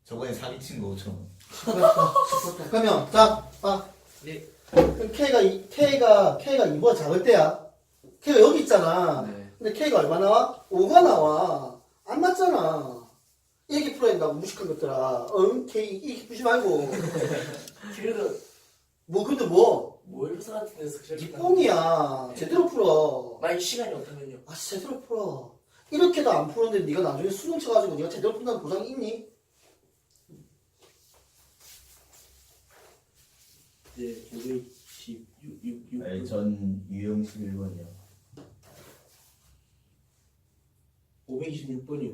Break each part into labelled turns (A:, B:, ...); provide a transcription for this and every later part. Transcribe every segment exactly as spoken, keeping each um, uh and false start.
A: 저번에 사기친 거 오천 원.
B: 십 퍼센트. 그러면 자, 아,
C: 네.
B: 그럼 K가 이- K가 K가 이보다 작을 때야. K가 여기 있잖아.
C: 네.
B: 근데 K가 얼마 나와? 오가 나와. 안 맞잖아. 이렇게 풀어야 된다고 무식한 것들아. 응? K 이렇게 푸지 말고.
D: 그래도
B: 뭐 근데 뭐?
D: 모의고사 같은 데서
B: 이
D: 그렇게
B: 뽕이야. 제대로 풀어.
D: 만약 시간이 없다면요.
B: 아 제대로 풀어. 이렇게도 안 푸는데 네가 나중에 수능 쳐가지고 네가 제대로 푼다는 보장이 있니?
D: 네, 오백십육, 육, 육.
A: 아니, 전 유형 십일 번이요.
D: 오백이십육 번이요.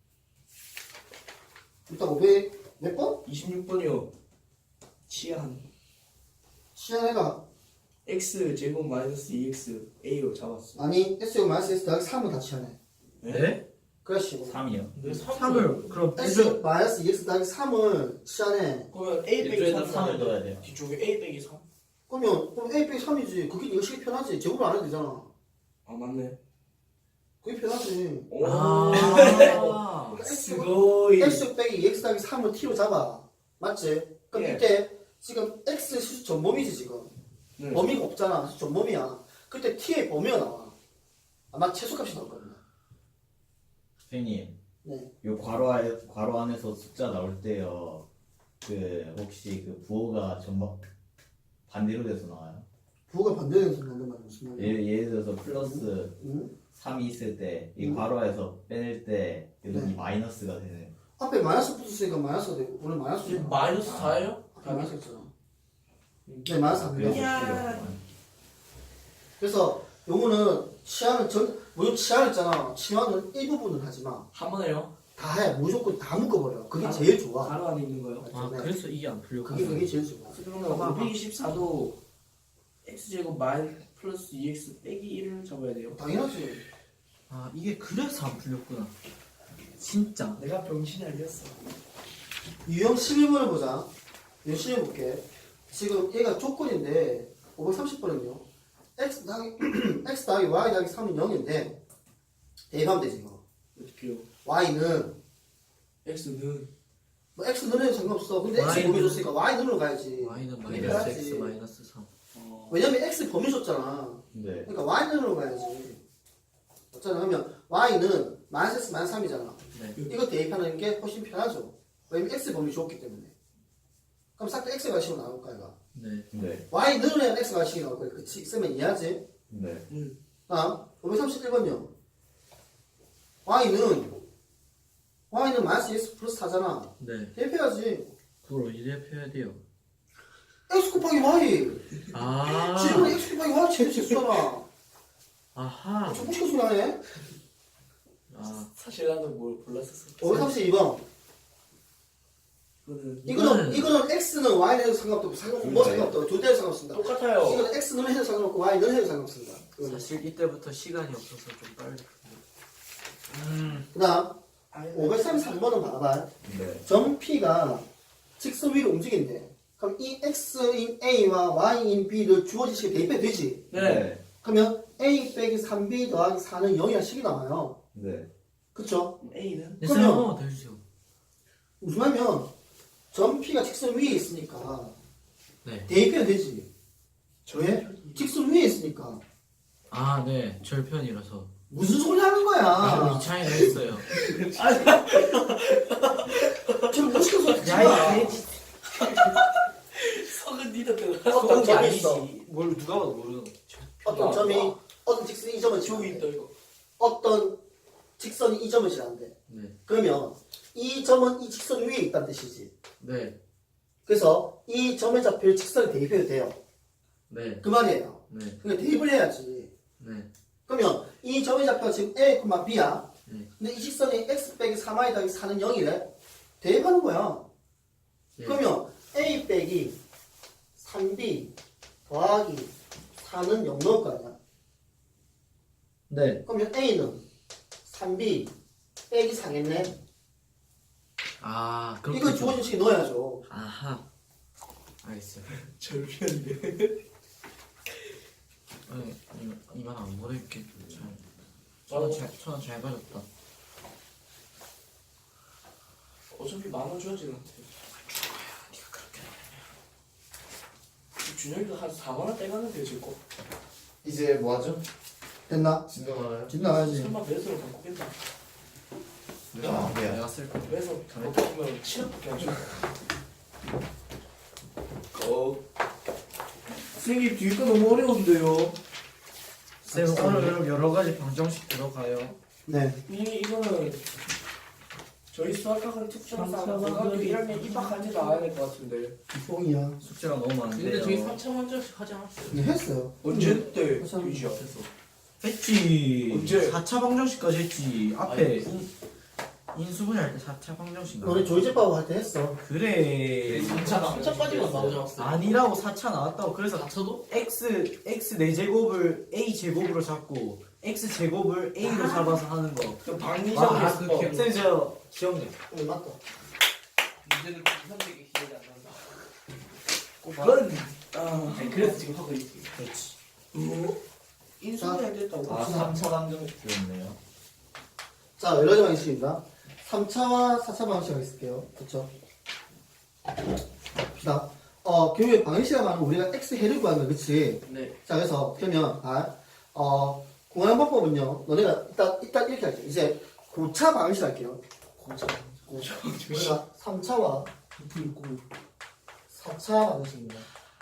B: 일단 오백 몇 번?
D: 이십육 번이요. 치안.
B: 시간해가.
D: x 제곱 마이너스 이 엑스 a로 잡았어.
B: 아니 S제곱 마이너스 S 더하기 삼은 다 치환해.
C: 네?
B: 그렇지.
A: 삼이요.
D: 네,
C: 삼을 그럼
B: S 마이너스 이 엑스 더하기 삼을 치환해.
D: 그러면 a 빼기
A: 이쪽에다
D: 삼
A: 삼을 넣어야 돼요.
D: 뒤쪽에 a 빼기 삼.
B: 그러면 그럼 A 빼기 삼이지. 그게 네가 식이 편하지. 제곱을 안 해도 되잖아.
D: 아 맞네.
B: 그게 편하지.
D: 오.
C: 아.
D: 스고이.
B: X 빼기 이 엑스 더하기 삼을 T로 잡아. 맞지? 그럼
D: 예.
B: 이때 지금 X 수수 전범위지 지금.
D: 네.
B: 범위가 없잖아. 수수 전범위야. 그때 T의 범위가 나와. 아마 최소값이 나올 거야.
A: 선생님,
B: 네.
A: 요 괄호 안 괄호 안에서 숫자 나올 때요. 그 혹시 그 부호가 전부 반대로 돼서 나와요?
B: 부호가 반대되는 소리 난단 말이야. 무슨 말이야?
A: 예를, 예를 들어서 플러스
B: 응?
A: 삼이 있을 때 이
B: 음.
A: 괄호에서 빼낼 때 여기
B: 네.
A: 마이너스가 되는.
B: 앞에 마이너스 붙었으니까 마이너스가 되고 오늘 마이너스
D: 지금 마이너스 사예요?
B: 앞에 마이너스 있잖아. 네, 마이너스 안
A: 그래서
B: 된다.
D: 야.
A: 필요없구만.
B: 그래서 요거는 치환을 전 무조건 치환 있잖아. 치환은 일부분은 하지 마.
D: 한 번에요?
B: 다 해. 무조건 다 묶어버려. 그게
D: 아,
B: 제일 좋아.
D: 가로 안에 있는 거요?
C: 아
B: 네.
C: 그래서 이게 안 풀려.
B: 그게 그게 제일 좋아.
D: 그러면 오백이십사도 x제곱 마이너스 플러스 이 엑스 빼기 일을 잡아야 돼요.
B: 당연하지.
C: 아 이게 그래서 안 풀렸구나. 진짜.
D: 내가 병신이 아니었어.
B: 유형 십일 번을 보자. 열심히 해볼게. 지금 얘가 조건인데 오백삼십 번은요. x 더하기 x 더하기 y 더하기 삼은 영인데 대입하면 되지 이거.
D: 어떻게요?
B: y는
D: x는
B: 뭐 x는 해도 상관없어. 근데 x
C: Y는-
B: 범위 줬으니까 y는으로 가야지.
C: y는
B: 그게
C: 마이너스
B: 편하지.
C: x 마이너스 삼.
D: 어...
B: 왜냐면 x 범위 줬잖아.
A: 네.
B: 그러니까 y는으로 가야지. 어쩌나 그러면 y는 마이너스 x 마이너스 삼이잖아.
C: 네.
B: 이거 대입하는 게 훨씬 편하죠. 왜냐면 x 범위 줬기 때문에. 그럼 싹 다 x가 식으로 나올 거야 이거.
C: 네.
A: 네.
B: y는 해야 x가 식이 나올 거야. 그치? 쓰면 이해하지?
A: 네.
D: 음.
B: 다음 오백삼십일 번요. y는 y는 마이너스 x 플러스 사잖아.
C: 네.
B: 대입해야지.
C: 그걸 어디에 펴야 돼요?
B: x 곱하기 y.
C: 아.
B: 지금 x 곱하기 y 제일 제수잖아.
C: 아하.
B: 저 무식한 소리 하네.
C: 아.
D: 사실 나는 뭘 골랐었어.
B: 오백삼십이 번.
D: 이거는
B: 이거는
C: 이거는-
B: 이거는 x는 y는 해도 상관없고 상관 뭐 상관없다. 둘 다 해도 상관없습니다.
D: 똑같아요.
B: 이거는 x는 해도 상관없고 y는 해도 상관없습니다. 이거는.
C: 사실 이때부터 시간이 없어서 좀 빨리 푸네. 음.
B: 그다음
D: 아니,
B: 오백삼십삼 번은 봐봐.
A: 네.
B: 점 P가 직선 위로 움직인대. 그럼 이 x인 a와 y인 b를 주어진 식에 대입해도 되지.
D: 네.
B: 그러면 a 빼기 삼 b 더하기 사는 영이라는 식이 나와요.
A: 네.
B: 그쵸?
D: a는
C: 네,
B: 그러면-
C: 쌤 한번만 더 해주세요.
B: 무슨 말이면 점 P가 직선 위에 있으니까
C: 네.
B: 대입해도 되지. 왜? 직선 위에 있으니까.
C: 아, 네. 절편이라서.
B: 무슨 소리 하는
C: 아,
B: 거야?
C: 이 차이가 있어요.
B: 지금 무식한 소리 하지
C: 야,
B: 마.
C: 이 돼지.
D: 석은 니도 그
B: 어떤 점이 있어.
C: 뭘 누가 봐도 모르는 거.
B: 어떤 점이 어떤 직선이 이 점을
D: 지우고
B: 지나는데
D: 있다 이거.
B: 어떤 직선이 이 점을 지나는데
C: 네.
B: 그러면 이 점은 이 직선 위에 있다는 뜻이지.
C: 네.
B: 그래서 이 점에 잡힐 직선을 대입해도 돼요.
C: 네.
B: 그 말이에요.
C: 네.
B: 그러니까 대입을 해야지.
C: 네.
B: 그러면 이 점에 잡혀 지금 A, B야.
C: 네.
B: 근데 이 직선이 x 빼기 삼 y 더하기 사는 영이래. 대입하는 거야.
C: 네.
B: 그러면 A 빼기 삼 b 더하기 사는 영 넣을 거 아니야.
C: 네.
B: 그러면 A는 삼 b 빼기 사겠네.
C: 아, 그렇게.
B: 이걸 주어진 식에 넣어야죠.
C: 아하. 알겠어요.
D: 절편이네.
C: 네, 이거, 이건 안 보낼게. 잘.
D: 어.
C: 저는 잘, 저는 잘 가졌다.
D: 어차피 만원 줘야지 나한테. 준혁이가 한 사만 원 떼가는데 지금.
E: 이제 뭐 하죠?
B: 됐나?
E: 진도 가나요?
B: 집 나가야지.
D: 설마 배수로 바꾸겠다.
A: 아, 네.
C: 내가 쓸 거.
D: 배수 어떻게 보면 칠억밖에 안 줘. 어.
E: 선생님 뒤에 거 너무 어려운데요.
C: 쌤 오늘 여러 가지 방정식 들어가요.
B: 네.
D: 이 이거는 저희 수학학원 특전사 고등학교 일 학년 입학할 때 나와야 될 것 같은데.
B: 뽕이야.
C: 숙제가 너무 많은데요.
D: 근데 저희 삼 차 만점씩 하지 않았어요?
B: 네, 했어요.
D: 언제 때?
B: 삼 차
D: 유지 앞에서.
C: 했지.
D: 언제?
C: 사 차 방정식까지 했지. 앞에
D: 아니,
C: 인, 인수분해 할 때 사 차 방정식
B: 너네 조이제빠고 할 때 했어.
C: 그래.
D: 삼 차 삼 차까지만 나오지 않았어요?
C: 아니라고 사 차 나왔다고. 그래서
D: 사 차도?
C: x x 네 제곱을 a 제곱으로 잡고 x 제곱을 a로 잡아서 하는 거.
D: 그
C: 아,
D: 방리정에서
C: 그 쌤, 저 기억나.
B: 응, 맞다.
D: 문제는 이상되게 기억이 안 난다.
C: 그건
D: 아, 아니, 그래서 지금 하고 있지.
C: 그렇지.
D: 인수분해 안 됐다고.
A: 아, 삼 차 방정식 들었네요.
B: 자, 여러 가지 방식입니다. 삼 차와 사 차 방식이 있을게요. 그쵸? 자, 어, 교육의 방식이라 말하면 우리가 x 해를 구하는 거, 그치?
D: 네.
B: 자, 그래서, 그러면, 아, 어, 공항 방법은요, 너네가 일단, 일단 이렇게 할게요. 이제, 고차 방식 할게요.
D: 고쳐. 고쳐.
B: 우리가 삼 차와 사 차 방식입니다.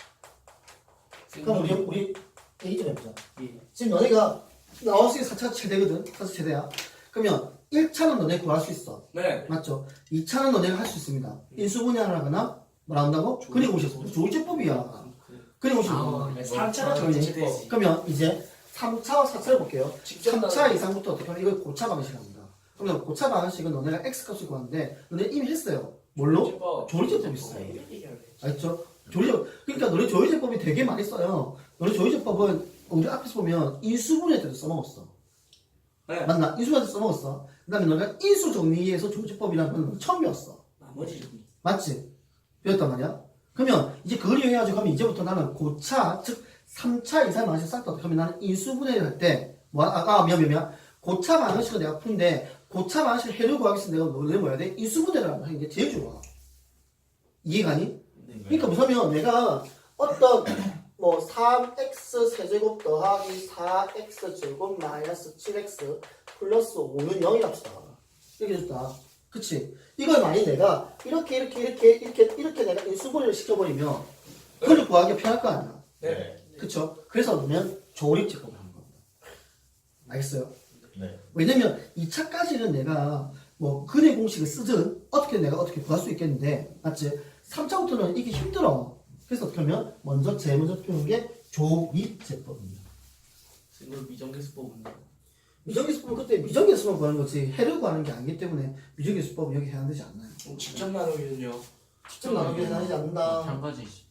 B: 그럼 우리, 우리 얘기 좀 해보자.
D: 예.
B: 지금 너네가 나올 수 있는 사 차 최대거든? 사 차 최대야. 그러면 일 차는 너네 구할 수 있어.
D: 네.
B: 맞죠? 이 차는 너네가 할 수 있습니다. 인수분해를 하거나 뭐라 한다고? 그리고 오셨어. 조이제법이야. 그리고 오셨어.
D: 네, 삼 차가 정치법.
B: 그러면 이제 삼 차와 사 차를 볼게요.
D: 직접
B: 삼 차
D: 나가는-
B: 이상부터 어떻게 하면 이걸 고차 방식이랍니다. 그러면 고차 방식은 너네가 x 값을 구하는데 너네 이미 했어요. 뭘로? 조리제법 있어요. 알죠? 조리제법. 그러니까 너네 조리제법이 되게 많이 써요. 너네 조리제법은 우리 앞에서 보면 인수분해 때도 써먹었어.
D: 네.
B: 맞나? 인수분해 때 써먹었어. 그 다음에 너네가 인수 정리에서 조리제법이라는 건 처음 배웠어.
D: 나머지 좀.
B: 맞지? 배웠단 말이야? 그러면 이제 그걸 이용해가지고 하면 이제부터 나는 고차, 즉 삼 차 이상 방식 싹다 어떻게 하면 나는 인수분해를 할 때 뭐, 아, 아 미안 미안 미안 고차 방식을 내가 푸는데 고차 방식을 해를 구하기 위해서 내가 노래 뭐야 돼? 인수분해를 하는 게 제일 좋아. 이해가 니? 그러니까 무슨 내가 어떤 뭐 삼 엑스 세제곱 더하기 사 엑스 제곱 마이너스 칠 엑스 플러스 오는 영이 합시다. 이렇게 줬다. 그치? 이걸 만약 내가 이렇게 이렇게 이렇게 이렇게 이렇게 내가 인수분해를 시켜버리면 그걸 구하기가 편할 거 아니야.
A: 네.
B: 그쵸? 그래서 그러면 조립제법을 하는 겁니다. 알겠어요?
A: 네.
B: 왜냐면 이 차까지는 내가 뭐 근의 공식을 쓰든 어떻게 내가 어떻게 구할 수 있겠는데 맞지? 삼 차부터는 이게 힘들어. 그래서 어떻게 하면 먼저 제일 먼저 표현한 게 조립제법입니다.
D: 이걸 미정계수법은
B: 미정계수법은 그때 미정계수만 구하는 거지 해를 구하는 게 아니기 때문에 미정계수법은 여기 해당되지 않나요?
D: 직접 나누기는요.
B: 직접 나누기 해당되지 않는다.
C: 마찬가지지.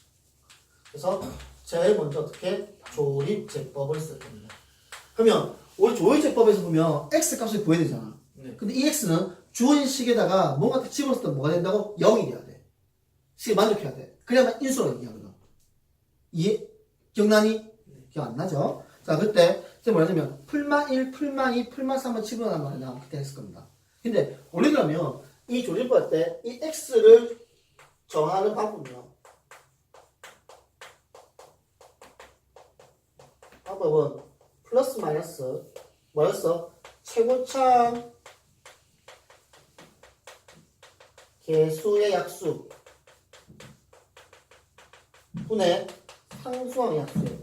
B: 그래서 제일 먼저 어떻게 조립제법을 쓸 겁니다. 그러면 우리 조립제법에서 보면 x 값을 구해야 되잖아.
D: 네.
B: 근데 이 x는 주어진 식에다가 뭔가 집어넣을 때 뭐가 된다고? 영이 돼야 돼. 식에 만족해야 돼. 그래야만 인수로 얘기하거든. 이해? 기억나니? 기억 안 나죠? 자, 그때 이제 뭐냐면 풀만 일, 풀만 이, 풀만 삼을 집어넣는 말이나 그때 했을 겁니다. 근데 원래 그러면 이 조립법 할 때 이 x를 정하는 방법은요. 방법은 플러스 마이너스 뭐였어? 최고참 개수의 약수 분의 상수항의 약수예요.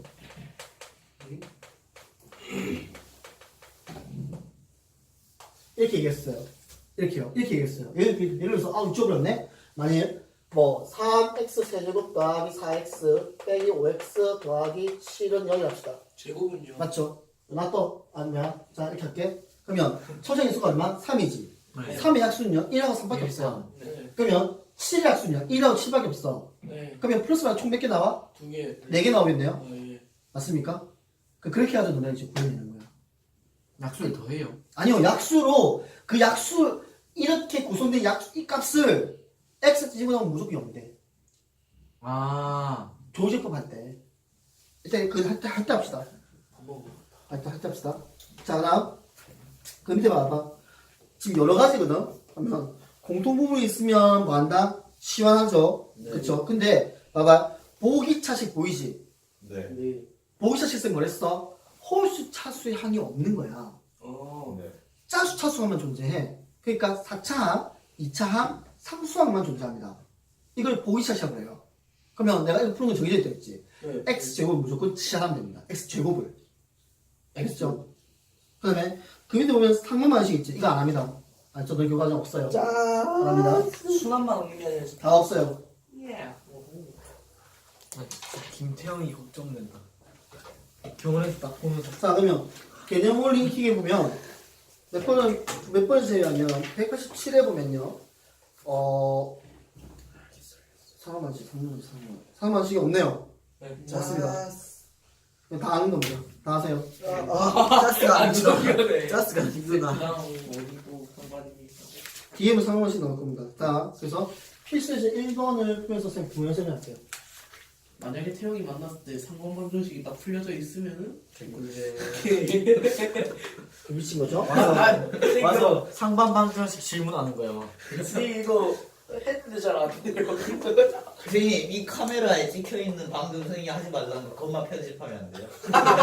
B: 이렇게 얘기했어요. 이렇게요. 이렇게 얘기했어요. 예를, 예를 들어서 아 잊어버렸네. 만일 뭐 삼 엑스 세제곱 더하기 사 엑스 빼기 오 엑스 더하기 칠은 영이 합시다.
D: 제곱은요.
B: 맞죠? 맞또 아니야? 자 이렇게 할게. 그러면 초정의 수가 얼마? 삼이지.
C: 네.
B: 삼의 약수는요 일하고 삼밖에 없어요.
D: 네.
B: 그러면 칠의 약수는요 일하고 칠밖에 없어.
D: 네.
B: 그러면 플러스만 총 몇 개 나와?
D: 두 개.
B: 네 개 나오겠네요.
D: 아, 예.
B: 맞습니까? 그- 그렇게 하죠 너네 이제 구해내는 거야.
C: 약수를 더해요.
B: 아니요 약수로 그 약수 이렇게 구성된 약수 이 값을 x 집어넣으면 무조건 영 돼.
C: 아.
B: 조제법 할 때. 일단 그할때 할 때 합시다.
D: 한번
B: 할 때 할 때 합시다. 자 그다음 그 밑에 봐봐. 지금 여러 가지거든. 그러면 공통부분이 있으면 뭐 한다? 시원하죠.
A: 네.
B: 그쵸? 근데 봐봐. 보기차식 보이지?
A: 네.
D: 네.
B: 보기차식 은 뭐랬어? 홀수 차수의 항이 없는 거야.
D: 어.
A: 네.
B: 짜수 차수항만 존재해. 그러니까 사 차 항, 이 차 항, 삼 수항만 존재합니다. 이걸 보기차식이라고 해요. 그러면 내가 이거 푸는 건 정해져 있다 했지.
D: 네.
B: x제곱을 무조건 치하면 됩니다. x제곱을. 알겠죠? 그 다음에 그 밑에 보면 상문만 하시겠지 이거 안 합니다. 아, 저도 교과정 없어요. 안 합니다.
D: 순환만 없는 게 아니라
B: 다 없어요.
D: 예.
C: 아, 진짜 김태형이 걱정된다. 병원에서 딱 보면서
B: 자, 그러면 개념 링킹에 보면 몇 번은 몇 번째에 하면 백팔십칠에 보면요. 어 상황만식, 상황만식, 상황만식. 상황만식이 없네요.
D: 네.
B: 맞습니다. 다 아는 겁니다. 다 아세요.
C: 아, 짜스가 안
D: 너무
C: 힘들어.
D: 어려네.
C: 짜스가 힘들다.
D: 그냥 어디고 상관이
B: 뒤에는 상황만식 나올 겁니다. 자, 그래서 필수에서 일 번을 풀면서 선생님 부연 설명할게요.
E: 만약에 태영이 만났을 때 상관방정식이 딱 풀려져 있으면은 개꿀제.
B: 그 미친 거죠?
C: 맞아. 맞아. 상반방정식 질문하는 거야. 막.
D: 선생님 이거 했는데 잘 안 돼요.
A: 선생님 이 카메라에 찍혀있는 방금 선생님이 하지 말라는 거 그것만 편집하면 안 돼요?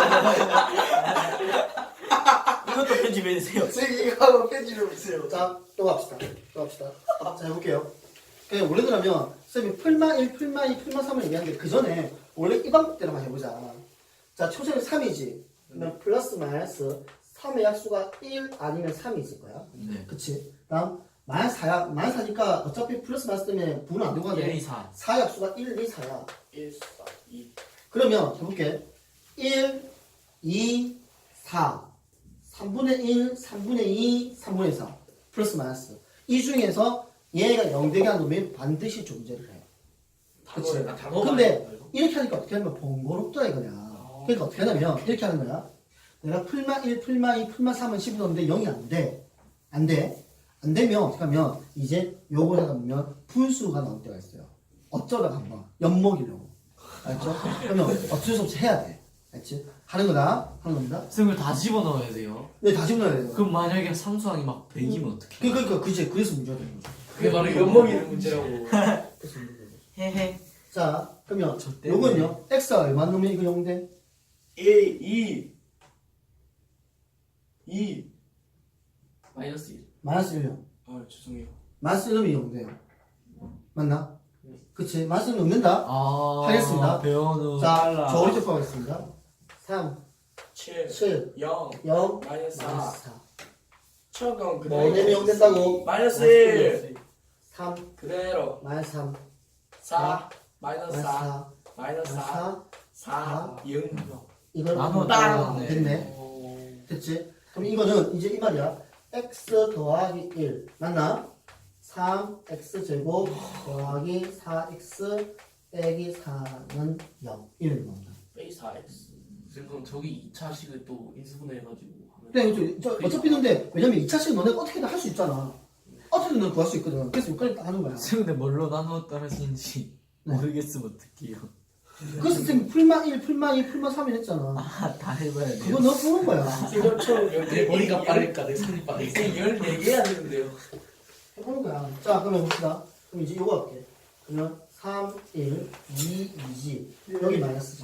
C: 이것도 편집해주세요.
B: 선생님 이거 한번 편집해 보세요. 자, 또 갑시다. 또 갑시다. 자, 해볼게요. 그냥 원래대로면 선생님이 풀마 일, 풀마 이, 풀마 삼을 얘기하는데 그 전에 원래 이 방법대로만 해보자. 자, 초점이 삼이지. 그러면 플러스 마이너스 삼의 약수가 일 아니면 삼이 있을 거야.
C: 네.
B: 그치? 다음 마이너스 사야. 마이너스 사니까 어차피 플러스 마이너스 때문에 부는 안 되고
C: 일,
B: 가네.
C: 이, 사.
B: 사 약수가 일, 이, 사야.
D: 일, 사, 이.
B: 그러면 해볼게. 일, 이, 사. 삼분의 일, 삼분의 이, 삼분의 사. 플러스 마이너스. 이 중에서 얘가 영 되게 하는 놈이 반드시 존재를 해. 그치?
E: 아, 단어가
B: 근데
E: 아니야, 이거?
B: 이렇게 하니까 어떻게 하면 번거롭다 이거냐. 그러니까 어떻게 하냐면 이렇게 하는 거야. 내가 풀마 일, 풀마 이, 풀마 삼은 십이 넣는데 영이 안 돼. 안 돼. 안 되면 어떻게 하면 이제 요거에다 보면 분수가 나올 때가 있어요. 어쩌다가 한번 엿먹이려고. 알죠? 그러면 어쩔 수 없이 해야 돼. 알지? 하는 거다. 하는 겁니다.
C: 승을 다 집어넣어야 돼요.
B: 네, 다시 넣어야 돼요.
C: 그럼 만약에 삼수항이 막 백이면 어떡해?
B: 그, 그, 그, 그치. 그래서 문제가 되는 거죠.
E: 그게 바로
D: 엿먹이는 문제라고.
B: 그래서 문제가 되는 거죠.
C: 헤헤.
B: 자, 그러면
C: 저 때문에.
B: 요건요. x가 얼마 넣으면 이거 영 돼?
D: 일, 이. 이.
E: 마이너스 일.
B: 마이너스 일 요
D: 아, 죄송해요.
B: 마이너스 일 넣으면 영 돼요. 맞나? 그치. 마이너스 일 넣는다.
C: 아.
B: 하겠습니다.
C: 배워는.
B: 자, 저 오른쪽 거 하겠습니다. 삼,
D: 칠,
B: 칠,
D: 영,
B: 영,
D: 마이너스 사.
B: 마이너스 사.
D: 철강
B: 뭐
D: 그대로.
B: 내면 영 된다고?
D: 마이너스 일.
B: 삼,
D: 그대로.
B: 마이너스 삼,
D: 사. 마이너스
B: 마이너스
D: 사.
B: 사,
D: 마이너스
B: 마이너스
D: 사.
B: 사,
D: 사. 영.
B: 이걸
C: 나눠
B: 딱
C: 네.
B: 됐네. 됐지? 그럼 이거는 이제 이 말이야. x 더하기 일. 맞나? 삼 엑스 제곱 더하기 사 엑스 빼기 사는 영. 이런 겁니다.
E: 빼기 사 엑스. 그럼 저기 이 차식을 또 인수분해 해가지고 하면.
B: 근데 저, 저, 어차피 근데 왜냐면 이 차식은 너네가 어떻게든 할 수 있잖아. 어떻게든 너 구할 수 있거든. 그래서 여기까지 딱 하는 거야.
C: 근데 뭘로 나누어 떨어지는지
B: 네.
C: 모르겠으면 어떡해요.
B: 그래서 지금 풀마 일, 풀마 이, 풀마 삼이 했잖아.
C: 아, 다 해봐야 돼요.
B: 그거 너 푸는 거야.
D: 이것처럼
E: 내 머리가 빠를까 내 손이 빠를까.
D: 열네 개 해야 되는데요.
B: 해보는 거야. 자, 그러면 봅시다. 그럼 이제 요거 할게. 그러면 삼, 일, 이, 이지. 여기 마이너스지.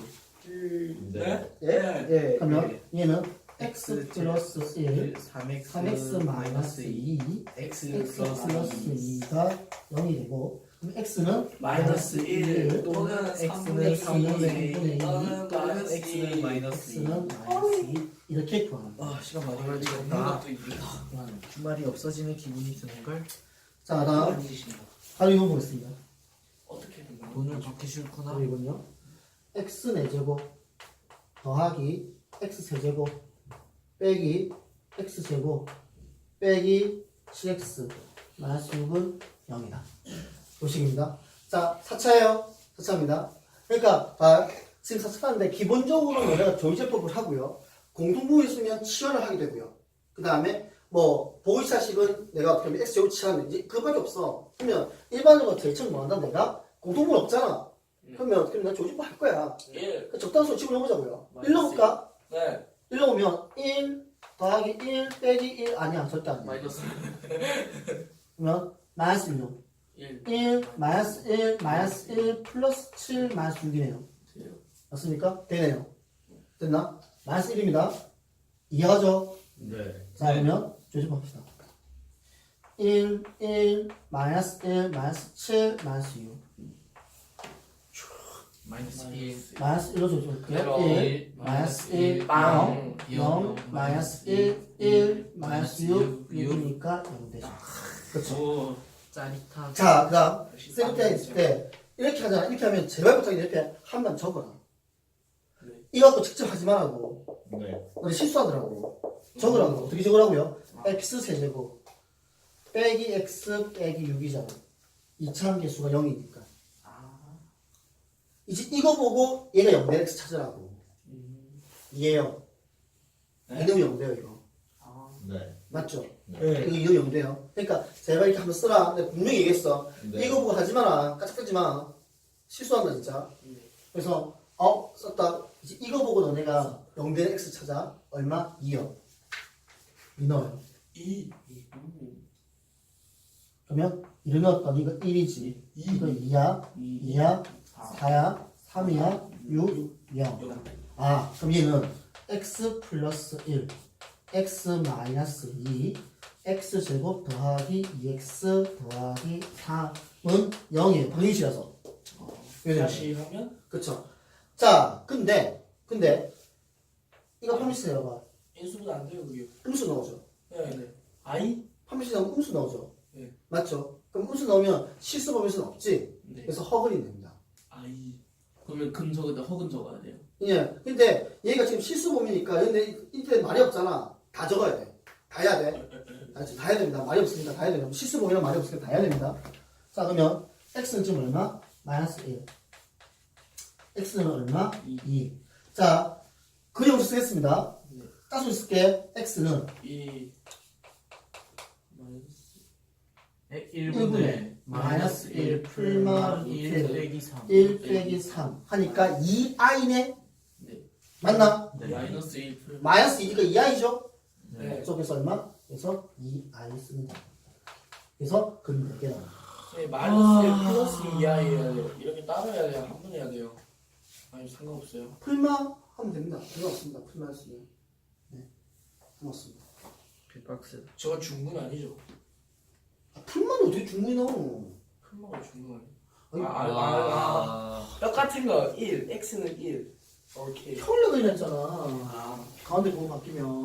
D: 네?
B: 예?
D: 네.
B: 예. 그러면 얘는 x 플러스 일,
C: 삼 엑스
B: 삼 엑스 마이너스 이,
C: X
B: x 플러스 이가 영이 되고, 그럼 x는
D: 마이너스 일 또는
C: X는
B: 삼분의 이,
D: 또는
C: 또는 X는 마이너스 이.
B: x는 마이너스 이. 이렇게 구합니다.
C: 아, 시간 많이
E: 없는
C: 걸리겠다.
E: 것도 있다.
C: 주말이 없어지는 기분이 드는걸?
B: 자, 다음.
E: 만지신다.
B: 바로 이거 보겠습니다.
E: 어떻게 된 거야?
C: 돈을 받기 싫구나.
B: 바로 이건요. x 네 제곱 더하기 x 세 제곱 빼기 x 제곱 빼기 칠 엑스 마이너스 육은 영이다. 요식입니다. 자, 사 차예요. 사 차입니다. 그러니까 아, 지금 사 차 하는데 기본적으로 우리가 조이제법을 하고요. 공통부호 있으면 치환을 하게 되고요. 그 다음에 뭐 보이차식은 내가 어떻게 하면 x 제곱 치환인지 그거밖에 없어. 그러면 일반적으로 제일 처음 뭐 한다 내가 공통부호 없잖아. 그러면 어떻게 하면 나 조이제법 할 거야.
D: 일.
B: 그 적당수 집어넣어보자고요.
D: 마이너스
B: 일 넣을까?
D: 네.
B: 일 넣으면 일 더하기 일 빼기 일 아니야. 절대 아니야.
E: 마이너스.
B: 그러면 마이너스 일.
D: 일.
B: 일, 마이너스 일, 마이너스 일, 플러스 칠, 마이너스 육이네요. 맞습니까? 되네요. 됐나? 마이너스 일입니다. 이해하죠?
E: 네.
B: 자, 그러면 조집합시다. 일, 일, 마이너스 일, 마이너스 칠, 마이너스 육.
E: 마이너스 일.
B: 마이너스 일로 조집할게요.
D: 일,
B: 일, 마이너스 일,
D: 빵.
B: 영, 영, 마이너스 일, 일, 마이너스 육, 육이니까 영 되죠. 그렇죠.
E: 오 짜릿한.
B: 자, 그 다음, 세븐틴 있을 때, 이렇게 하잖아. 이렇게 하면 제발 부탁이 이렇게 한 번 적어라.
D: 네.
B: 이거 갖고 직접 하지 말라고.
A: 네.
B: 우리 실수하더라고. 적으라고. 어떻게 적으라고요? x 세제곱 빼기 x 빼기 육이잖아. 이차함계수가 영이니까. 이제 이거 보고 얘가 영 대 x 찾으라고. 이해요?
E: 네?
B: 이놈이 영 돼요, 이거.
A: 네.
B: 맞죠?
C: 네.
B: 이거 이거 영 돼요. 그러니까 제발 이렇게 한번 쓰라. 내가 분명히 얘기했어.
A: 네.
B: 이거 보고 하지 마라. 까짓거리지 마. 실수한다, 진짜. 그래서 어 썼다. 이제 이거 보고 너네가 영 대 x 찾아. 얼마? 이요. 이 넣어요.
D: 이.
B: 그러면 이를 넣었더니 이거 일이지. 이거 이야, 이야, 사야, 삼이야, 육, 영. 아, 그럼 얘는 x 플러스 일, x 마이너스 이, x 제곱 더하기 이 엑스 더하기 삼은 영이에요. 방정식이라서.
D: 다시 하면
B: 그쵸. 자, 근데, 근데, 이거 판미시 내려봐.
D: 인수분 안 돼요 그게.
B: 음수 넣어줘.
D: 네. 네. 아이?
B: 판미시 넣으면 음수 넣어줘.
D: 네.
B: 맞죠? 그럼 음수 넣으면 실수 범위수는 없지?
D: 네.
B: 그래서 허근이 됩니다.
D: 아이.
E: 그러면 금 적은데 허근 적어야 돼요.
B: 예. 근데 얘가 지금 실수 범위니까 근데 인터넷 말이 없잖아. 다 적어야 돼. 다 해야 돼. 알았지? 다 해야 됩니다. 말이 없으니까 다 해야 됩니다. 실수 범위랑 말이 없으니까 다 해야 됩니다. 자, 그러면 x는 지금 얼마? 마이너스 일. x는 얼마? 이. 자, 그림을 쓰겠습니다.
D: 네.
B: 따서 쓸게. x는
D: 이. 마이너스.
B: 일
C: 일
B: 분의 마이너스 일 풀마
C: 일 빼기 삼.
B: 일 빼기 삼 하니까 이 아이네?
D: 네.
B: 맞나?
C: 네.
D: 마이너스 일 풀.
B: 마이너스 이니까 이 아이죠?
D: 네.
B: 그래서 얼마? 그래서 이 아이 씁니다. 그래서 그림 몇 개 나와요.
D: 네, 마이너스 일 플러스 이 아이 해야 돼요. 이렇게 따로 해야 돼요. 한 번 해야 돼요. 아니 상관없어요.
B: 풀마 하면 됩니다. 상관없습니다. 풀마 했으면. 네. 상관없습니다.
C: 빅박스.
D: 저건 중군 아니죠?
B: 아, 풀마는 어떻게 중국이 나와?
D: 풀마가 중군
B: 아니,
D: 아니에요? 아, 아, 아, 아. 똑같은 거 일. x는 일. 오케이.
B: 평일에 그리랬잖아.
D: 아.
B: 가운데 부분 바뀌면.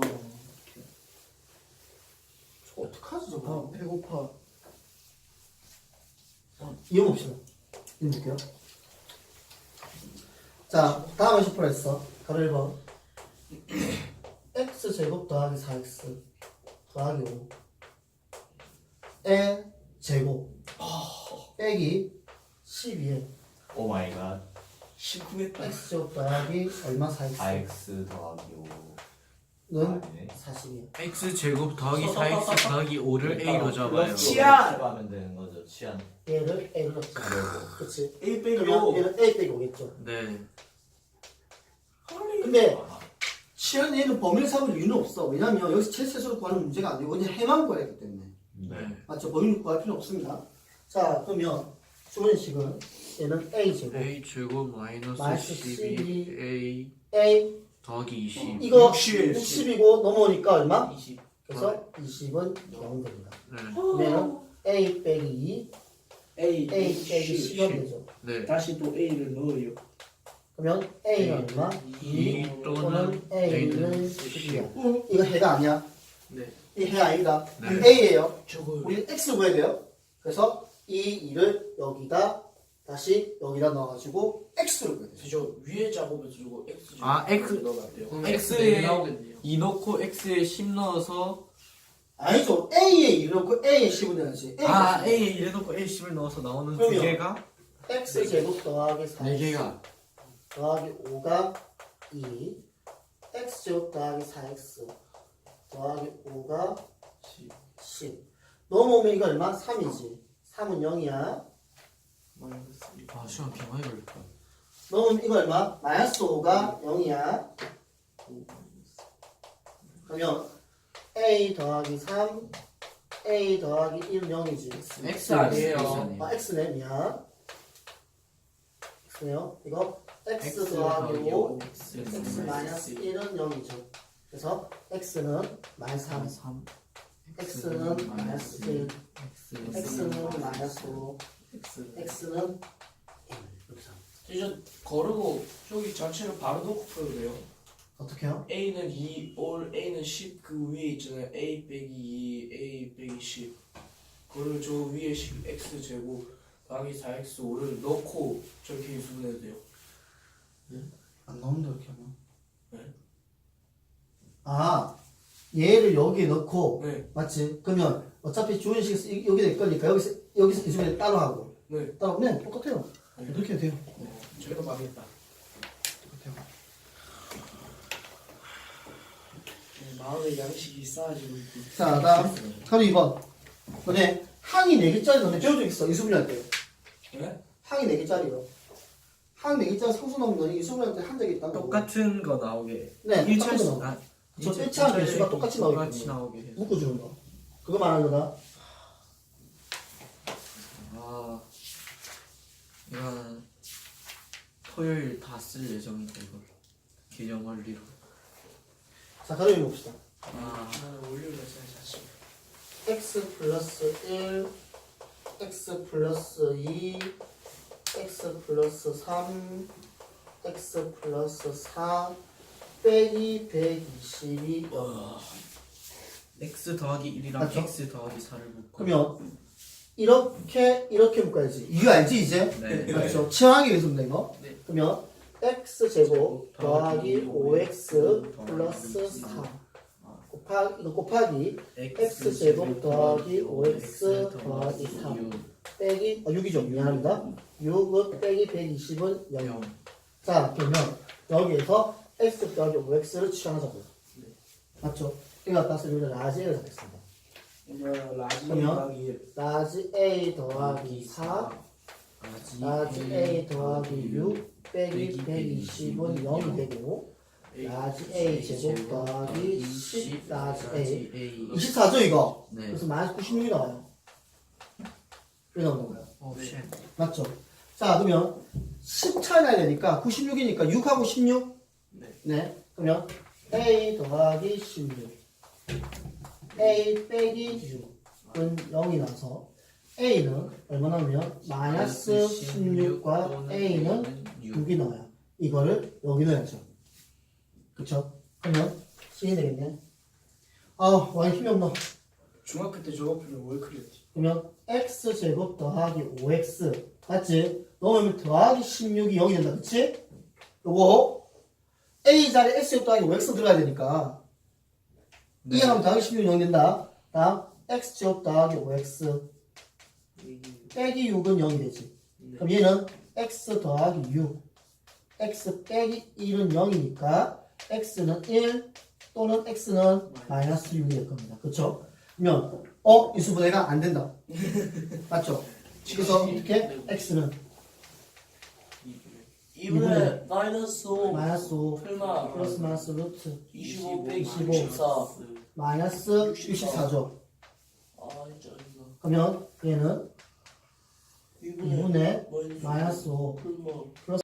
B: 저거 어떡하지 저거?
C: 아, 배고파.
B: 이어 봅시다. 이어 볼게요. 자, 다음에 슈퍼 했어. 가로 일 번. x 제곱 더하기 사 엑스 더하기 오. 에 제곱 빼기 십이에
A: 오 마이 갓.
D: 심쿵했다.
B: x 제곱 더하기 얼마 사 엑스
A: 사 엑스 더하기
B: 는
A: 오는
B: 사십이에요.
C: x 제곱 더하기 사 엑스 더하기 오를 a로 잡아요.
D: 치안!
A: 하면 되는 거죠. 치안.
B: 얘를 a로 넣자.
A: 그리고
B: 그치?
D: A 빼기
B: 그러면
D: 오.
B: 얘는 a 빼기 오겠죠.
C: 네.
B: 근데 치안 얘는 범위를 잡을 이유는 없어. 왜냐면 여기서 최세수로 구하는 문제가 아니고 그냥 해만 구해야 하기 때문에.
A: 네.
B: 맞죠? 범위를 구할 필요 없습니다. 자, 그러면 주문식은 얘는 a 제곱
C: a 제곱 마이너스
B: 마이너스
C: 십이 a
B: a
C: 더하기 이십.
B: 이거
D: 육십.
B: 육십이고 넘어오니까 얼마?
D: 이십.
B: 그래서 이십은 영 됩니다.
C: 네.
B: 그러면 a 빼기 이,
D: A.
B: a 빼기 십이 되죠.
C: 네.
D: 다시 또 A를 넣어요.
B: 그러면 a는 얼마? 이
C: 이
B: 또는
C: 또는
B: a는
C: a는
B: 십이야. 이거 해가 아니야.
D: 네.
B: 이 해 아니다.
C: 네.
B: a예요.
D: 저거.
B: 우리 x 구해야 돼요. 그래서 이 이를 여기다 다시 여기다 넣어가지고 x를 구해야 돼요.
D: 저 위에 작업에서 저거 X.
C: 아, X.
D: 넣으면 안 돼요.
C: 그럼
E: X에
C: x에
E: 나오겠네요.
C: 이 넣고 x에 십 넣어서
B: 아니죠. a에 이를 넣고 a에 십을 내야지.
C: 아 a에 일 넣고 a 십을 넣어서 나오는 두
B: 그럼요.
C: 개가
B: x 제곱 더하기 사
C: 네 개가
B: 더하기 오가 이, x 제곱 더하기 사 엑스 더하기 오가 십. 넘어오면 이거 얼마? 삼이지. 삼은 영이야.
D: 마이너스 일.
C: 아 시간 개 많이 걸렸다.
B: 넘어오면 이거 얼마? 마이너스 오가 영이야. 그러면 a 더하기 삼 A 더하기 일은 영이지.
D: X 아니에요.
B: 아, X네, 미안. X네요. 이거 X,
E: X
B: 더하기 오,
E: X
B: X 마이너스 일은 영이죠. 그래서 X는 마이너스 삼,
E: 삼
B: X는 마이너스 일,
E: X
B: X는 마이너스 오,
E: X
B: X는 일. 이렇게 삼.
D: 이제 거르고 저기 자체를 바로 놓고 풀어도 돼요.
B: 어떻게 해요?
D: A는 이, 올 A는 십 그 위에 있잖아요. A 빼기 이, A 빼기 십. 그걸 저 위에 십 X 제곱 더하기 사 엑스 오를 넣고 저렇게 유수분해도 돼요.
B: 안 나온다, 이렇게 하면.
D: 네.
B: 아, 얘를 여기에 넣고,
D: 네.
B: 맞지? 그러면 어차피 주인식 여기 될 거니까 여기서, 여기서 기준에 따로 하고.
D: 네.
B: 따로, 네, 똑같아요.
D: 네.
B: 이렇게 해도 돼요.
D: 어, 저희가 망했다.
B: 똑같아요.
D: 네, 마음의 양식이 쌓아지고 있고.
B: 자, 다음. 그럼 이 번. 너네 항이 네 개짜리 너네 배운 적 있어. 이수분할 때.
D: 네?
B: 항이 네 개짜리요. 항 네 개짜리 상수 넣으면 너네 이수분할 때 한 적이 있다고.
C: 똑같은 거 나오게.
B: 네,
C: 일철
B: 똑같은 거.
C: 아,
B: 저
C: 일철-
B: 일치한
C: 일철
B: 개수가 똑같이 나오게
C: 똑같이
B: 되는
C: 나오게 해서.
B: 묶어주는 거. 그거 말하는 거다.
C: 아, 이건 토요일 다 쓸 예정인데 이걸 개정 원리로.
B: 자, 가로 봅시다.
C: 아,
D: 나는 월요일에 자주.
B: x 플러스 일, x 플러스 이, x 플러스 삼, x 플러스 사, 빼기 백이십이.
C: x 더하기 일이랑
B: 맞죠?
C: x 더하기 사를 묶고.
B: 그러면 이렇게 이렇게 묶어야지. 이유 알지 이제?
C: 네.
B: 맞죠? 치환하기 위해서 묶는 거.
C: 네.
B: 그러면 x 제곱 더하기 오 엑스 플러스 사 곱하기 이거 곱하기 x 제곱 더하기 오 엑스 더하기 사 빼기 어, 육이죠. 미안합니다. 육은 빼기 백이십은 영.
C: 영.
B: 자, 그러면 여기에서 x 더하기 오 엑스를 취하자고요. 맞죠? 이거 아까 쓰면 라지 A를 잡겠습니다.
D: 그러면 라지
B: 그러면?
D: 더하기 일.
B: 라지 A 더하기 사, 라지 A 더하기 육 빼기 백이십은 영이 되고 라지 A 제곱 더하기 십 라지 A 이십사죠 이거?
C: 네.
B: 그래서 마이너스 구십육이 나와요. 왜 나오는 거예요?
C: 오 쉣.
B: 맞죠? 자, 그러면 십 차이 나야 되니까 구십육이니까 육하고 십육?
D: 네.
B: 네. 그러면 A 더하기 십육 A 빼기 육은 영이 나서 A는 얼마 나오면 마이너스 십육과 A는 육이 나와요. 이거를 여기 넣어야죠. 그쵸? 그러면 C이 되겠네. 아, 많이 힘이 없나?
D: 중학교 때 저거 풀면 뭘 그렸지?
B: 그러면 X제곱 더하기 오 엑스 맞지? 넣으면 더하기 십육이 영이 된다. 그치? 요거 A 자리에 X제곱 더하기 오 엑스 들어가야 되니까
C: 네.
B: 이하면 더하기 십육이 영이 된다. 다음 X제곱 더하기 오 엑스 빼기 육은 영이 되지. 그럼 얘는 X 더하기 육 X 빼기 일은 영이니까 X는 일 또는 X는 마이너스 육이 될 겁니다. 그쵸? 그러면 어? 이수분해가 안 된다. 맞죠? 그래서 어떻게? X는
D: 이분의 마이너스 오
B: 마이너스 오
D: 풀마
B: 플러스 마이너스 루트
D: 이십오 빼기
B: 이십오.
D: 육십사.
B: 마이너스 육십사죠.
D: 아 짜증나.
B: 그러면 얘는
D: 이분의
B: 이분의
D: 마이너스
B: 마이너스 오
D: 풀마